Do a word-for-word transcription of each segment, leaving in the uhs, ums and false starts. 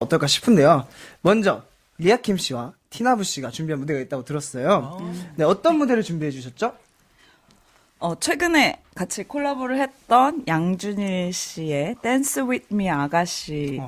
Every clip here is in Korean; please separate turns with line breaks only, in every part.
어떨까 싶은데요. 먼저 리아킴 씨와 티나부 씨가 준비한 무대가 있다고 들었어요. 네, 어떤 무대를 준비해 주셨죠?
어, 최근에 같이 콜라보를 했던 양준일 씨의 Dance With Me 아가씨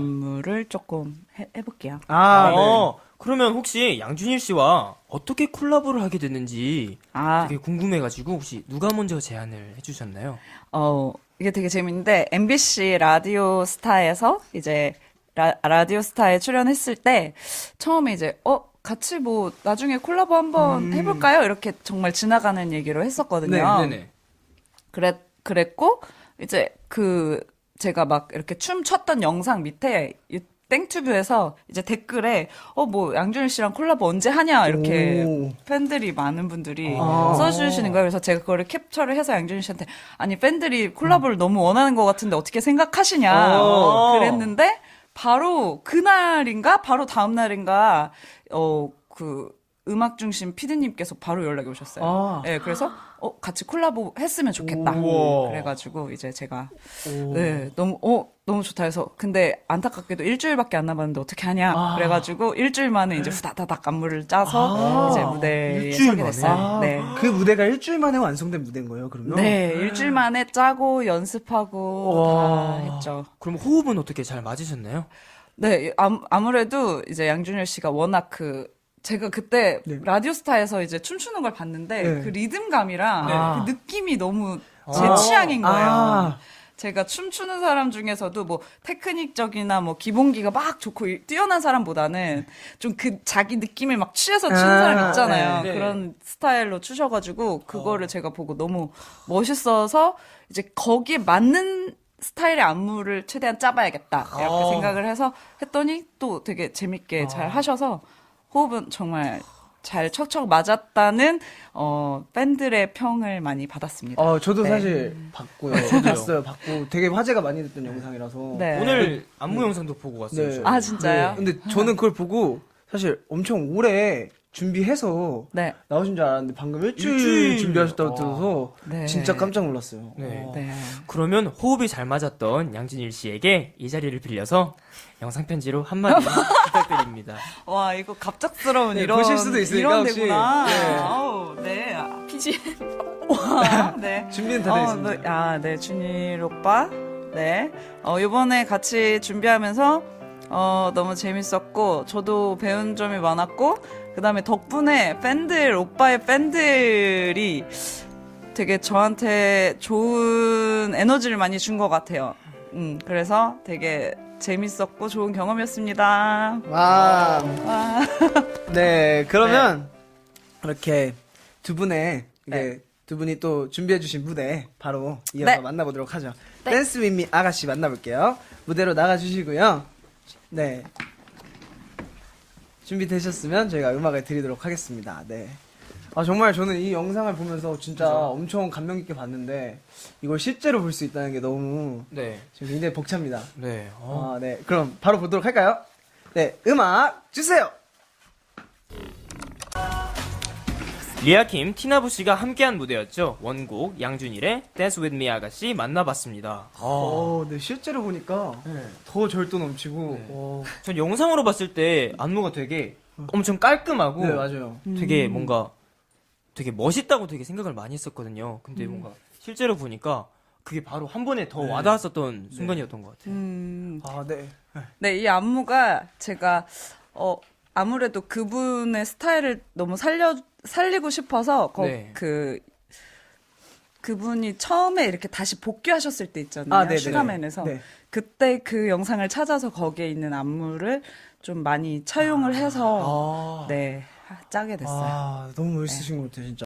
안무를 조금 해, 해볼게요.
아,
어, 그러면 혹시 양준일 씨와 어떻게 콜라보를 하게 됐는지
아,
되게 궁금해가지고 혹시 누가 먼저 제안을 해주셨나요?
어, 이게 되게 재밌는데, 엠비씨 라디오 스타에서 이제 라, 라디오 스타에 출연했을 때, 처음에 이제, 어, 같이 뭐, 나중에 콜라보 한번 해볼까요? 이렇게 정말 지나가는 얘기로 했었거든요.
네,
네네.
그랬, 그랬고, 이제 그, 제가 막 이렇게 춤 췄던 영상 밑에, 이 땡튜브에서 이제 댓글에, 어, 뭐, 양준일 씨랑 콜라보 언제 하냐, 이렇게
오.
팬들이, 많은 분들이
아.
써주시는 거예요. 그래서 제가 그거를 캡처를 해서 양준일 씨한테, 아니, 팬들이 콜라보를 너무 원하는 것 같은데 어떻게 생각하시냐,
오.
그랬는데, 바로 그날인가? 바로 다음날인가, 어, 그, 음악 중심 피디님께서 바로 연락이 오셨어요.
아.
네, 그래서, 어, 같이 콜라보 했으면 좋겠다.
우와.
그래가지고, 이제 제가, 네, 너무, 어, 너무 좋다 해서. 근데 안타깝게도 일주일밖에 안 남았는데 어떻게 하냐.
아.
그래가지고, 일주일 만에 이제 후다다닥 안무를 짜서,
아.
이제 무대에
일주일
서게
만에?
됐어요.
아,
네.
그 무대가 일주일 만에 완성된 무대인 거예요, 그러면?
네, 일주일 만에 짜고, 연습하고,
와.
다 했죠.
그럼 호흡은 어떻게 잘 맞으셨나요?
네, 아무, 아무래도 이제 양준일 씨가 워낙 그, 제가 그때
네.
라디오스타에서 이제 춤추는 걸 봤는데
네.
그 리듬감이랑
아.
그 느낌이 너무 제
아.
취향인 거예요.
아.
제가 춤추는 사람 중에서도 뭐 테크닉적이나 뭐 기본기가 막 좋고 이- 뛰어난 사람보다는 좀 그 자기 느낌을 막 취해서 추는
아,
사람 있잖아요.
네. 네.
그런 스타일로 추셔가지고 그거를 제가 보고 너무 멋있어서 이제 거기에 맞는 스타일의 안무를 최대한 짜봐야겠다 이렇게
아.
생각을 해서 했더니 또 되게 재밌게 잘 하셔서 호흡은 정말 잘 척척 맞았다는 어 팬들의 평을 많이 받았습니다.
어, 저도
네.
사실 봤고요. 저도 봤어요. 봤고 되게 화제가 많이 됐던 영상이라서.
네.
오늘 안무 영상도 보고 왔어요.
네.
저희.
아 진짜요?
근데 저는 그걸 보고 사실 엄청 오래 준비해서
네.
나오신 줄 알았는데 방금 일주일,
일주일.
준비하셨다고
와.
들어서
네.
진짜 깜짝 놀랐어요.
네.
어.
네.
그러면 호흡이 잘 맞았던 양진일 씨에게 이 자리를 빌려서 영상 편지로 한마디 부탁드립니다.
와 이거 갑작스러운
네,
이런
보실 수도 있으니까
이런
혹시.
데구나.
네.
아우, 네. 아, 피지. 와, 네.
준비는 다 돼
어,
있습니다.
네. 아, 네. 준일 오빠. 네. 어, 요번에 같이 준비하면서 어, 너무 재밌었고 저도 배운 점이 많았고 그다음에 덕분에 팬들 오빠의 팬들이 되게 저한테 좋은 에너지를 많이 준 것 같아요. 음, 그래서 되게 재밌었고 좋은 경험이었습니다.
와.
와.
네, 그러면 이렇게 두 분의 이제
네.
두 분이 또 준비해주신 무대 바로 이어서
네.
만나보도록 하죠.
네.
댄스 윈미 아가씨 만나볼게요. 무대로 나가주시고요. 네. 준비되셨으면 저희가 음악을 드리도록 하겠습니다. 네. 아, 정말 저는 이 영상을 보면서 진짜 엄청 감명 깊게 봤는데 이걸 실제로 볼 수 있다는 게 너무
네.
지금 굉장히 벅찹니다.
네. 어.
아, 네. 그럼 바로 보도록 할까요? 네. 음악 주세요!
리아킴, 티나부 씨가 함께한 무대였죠. 원곡 양준일의 Dance With Me 아가씨 만나봤습니다.
어, 네. 실제로 보니까
네.
더 절도 넘치고.
네.
어,
전 영상으로 봤을 때 안무가 되게 엄청 깔끔하고
네, 맞아요.
되게 뭔가 되게 멋있다고 되게 생각을 많이 했었거든요. 근데 뭔가 실제로 보니까 그게 바로 한 번에 더 와닿았었던 순간이었던 것 같아요.
음.
아, 네.
네, 이 안무가 제가 어 아무래도 그분의 스타일을 너무 살려 살리고 싶어서 거,
네.
그 그분이 처음에 이렇게 다시 복귀하셨을 때 있잖아요.
아, 네네.
슈가맨에서
네.
그때 그 영상을 찾아서 거기에 있는 안무를 좀 많이 차용을 해서
아.
네 하- 짜게 됐어요.
아, 너무 멋있으신 것 같아요, 진짜.